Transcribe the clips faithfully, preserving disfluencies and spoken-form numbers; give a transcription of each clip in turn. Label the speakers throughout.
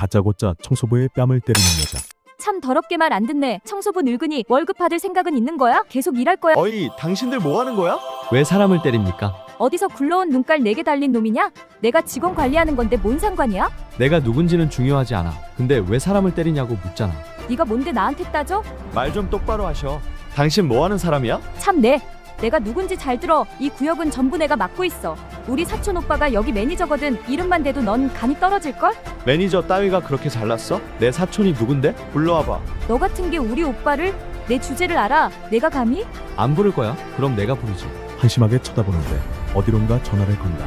Speaker 1: 다짜고짜 청소부의 뺨을 때리는 여자.
Speaker 2: 참 더럽게 말 안 듣네. 청소부 늙은이 월급 받을 생각은 있는 거야? 계속 일할 거야?
Speaker 3: 어이, 당신들 뭐 하는 거야?
Speaker 4: 왜 사람을 때립니까?
Speaker 2: 어디서 굴러온 눈깔 네 개 달린 놈이냐? 내가 직원 관리하는 건데 뭔 상관이야?
Speaker 4: 내가 누군지는 중요하지 않아. 근데 왜 사람을 때리냐고 묻잖아.
Speaker 2: 네가 뭔데 나한테 따져?
Speaker 3: 말 좀 똑바로 하셔. 당신 뭐 하는 사람이야?
Speaker 2: 참내. 내가 누군지 잘 들어. 이 구역은 전부 내가 맡고 있어. 우리 사촌 오빠가 여기 매니저거든. 이름만 대도 넌 간이 떨어질걸?
Speaker 3: 매니저 따위가 그렇게 잘났어? 내 사촌이 누군데? 불러와봐.
Speaker 2: 너 같은 게 우리 오빠를? 내 주제를 알아? 내가 감히?
Speaker 4: 안 부를 거야? 그럼 내가 부르지.
Speaker 1: 한심하게 쳐다보는데 어디론가 전화를 건다.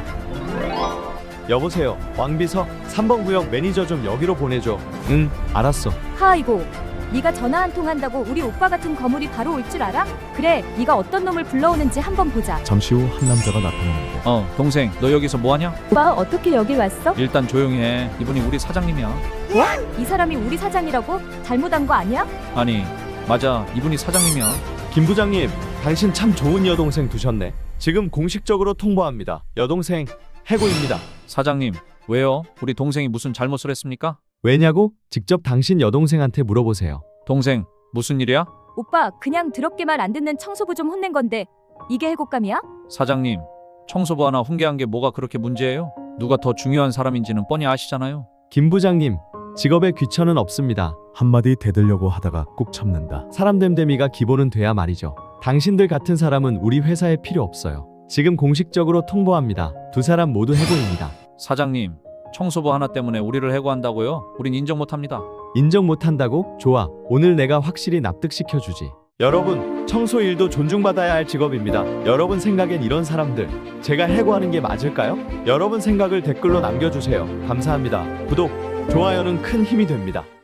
Speaker 3: 여보세요, 왕비서. 삼 번 구역 매니저 좀 여기로 보내줘.
Speaker 4: 응, 알았어.
Speaker 2: 하이고. 네가 전화 한 통 한다고 우리 오빠 같은 거물이 바로 올 줄 알아? 그래, 네가 어떤 놈을 불러오는지 한번 보자.
Speaker 1: 잠시 후 한 남자가 나타나는데
Speaker 5: 어, 동생, 너 여기서 뭐하냐?
Speaker 2: 오빠 어떻게 여길 왔어?
Speaker 5: 일단 조용히 해. 이분이 우리 사장님이야.
Speaker 2: 이 사람이 우리 사장이라고? 잘못한 거 아니야?
Speaker 5: 아니, 맞아. 이분이 사장님이야.
Speaker 3: 김 부장님, 당신 참 좋은 여동생 두셨네. 지금 공식적으로 통보합니다. 여동생 해고입니다.
Speaker 5: 사장님, 왜요? 우리 동생이 무슨 잘못을 했습니까?
Speaker 4: 왜냐고? 직접 당신 여동생한테 물어보세요.
Speaker 5: 동생, 무슨 일이야?
Speaker 2: 오빠 그냥 더럽게 말 안 듣는 청소부 좀 혼낸 건데 이게 해고감이야?
Speaker 5: 사장님, 청소부 하나 훈계한 게 뭐가 그렇게 문제예요? 누가 더 중요한 사람인지는 뻔히 아시잖아요.
Speaker 4: 김 부장님, 직업에 귀천은 없습니다.
Speaker 1: 한마디 대들려고 하다가 꾹 참는다.
Speaker 4: 사람 됨됨이가 기본은 돼야 말이죠. 당신들 같은 사람은 우리 회사에 필요 없어요. 지금 공식적으로 통보합니다. 두 사람 모두 해고입니다.
Speaker 5: 사장님, 청소부 하나 때문에 우리를 해고한다고요? 우린 인정 못합니다.
Speaker 4: 인정 못한다고? 좋아. 오늘 내가 확실히 납득시켜주지.
Speaker 3: 여러분, 청소 일도 존중받아야 할 직업입니다. 여러분 생각엔 이런 사람들 제가 해고하는 게 맞을까요? 여러분 생각을 댓글로 남겨주세요. 감사합니다. 구독, 좋아요는 큰 힘이 됩니다.